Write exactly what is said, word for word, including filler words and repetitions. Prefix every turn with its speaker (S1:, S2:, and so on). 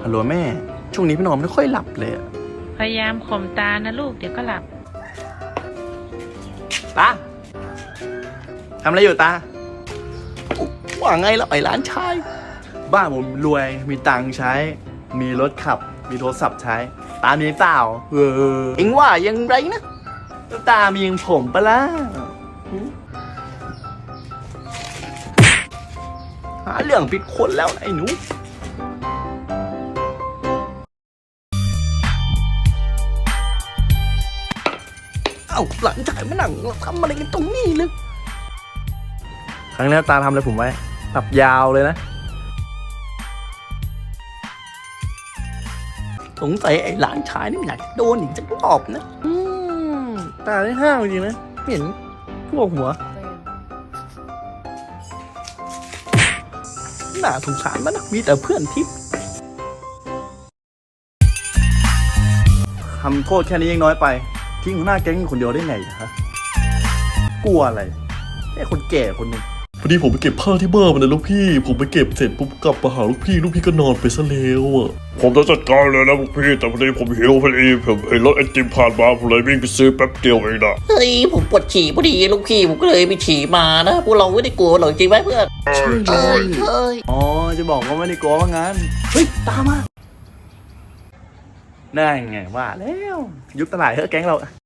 S1: ฮัลโหลแม่ช่วงนี้พี่นอนไม่ค่อยหลับเลย
S2: พยายามข่มตานะลูกเดี๋ยวก็หลับ
S1: ตาทำอะไรอยู่ตาว่าไงแล้วไอ้ร้านชายบ้านผมรวยมีตังค์ใช้มีรถขับมีโทรศัพท์ใช้ตามีเปล่าเออเอ็งว่ายังไรนะตามียังผมปะล่ะหาเรื่องผิดคนแล้วไอ้หนูเอ้าหลังจากมาหนังทำอะไรกันตรงนี้เลยครั้งนี้ตาทำอะไรผมไว้ตับยาวเลยนะสงสัยไอ้หลานชายนี่อยากโดนอีกจะรอบนะอืมตาได้ห้าวจริงนะเห็นพวกหัวน่าสงสารมันนะมีแต่เพื่อนทิพย์ทำโทษแค่นี้ยังน้อยไปทิ้งหัวหน้าแก๊งคนเดียวได้ไงฮะกลัวอะไรแค่คนแก่คนหนึ่ง
S3: พอดีผมไปเก็บผ้าที่บ้านมานะลูกพี่ผมไปเก็บเสร็จปุ๊บกลับมาหาลูกพี่ลูกพี่ก็นอนไปซะแล้วอ่ะผมจะจัดการเลยนะลูกพี่แต่พอดีผมหิวพอดีผมเห็นรถไอติมผ่านมาผมเลยวิ่งไปซื้อแป๊บเดียวเองนะ
S4: เฮ้ยผมปวดฉี่พอดีลูกพี่ผมก็เลยไปฉี่มานะพวกเราไม่ได้กลัวหรอกจริงไหมเพื่อน
S1: ใช่เลยอ๋อจะบอกว่าไม่ได้กลัวว่างั้นเฮ้ยตามมาได้ไงว่าแล้วยุบตลาดเฮ้ยแก๊งเรา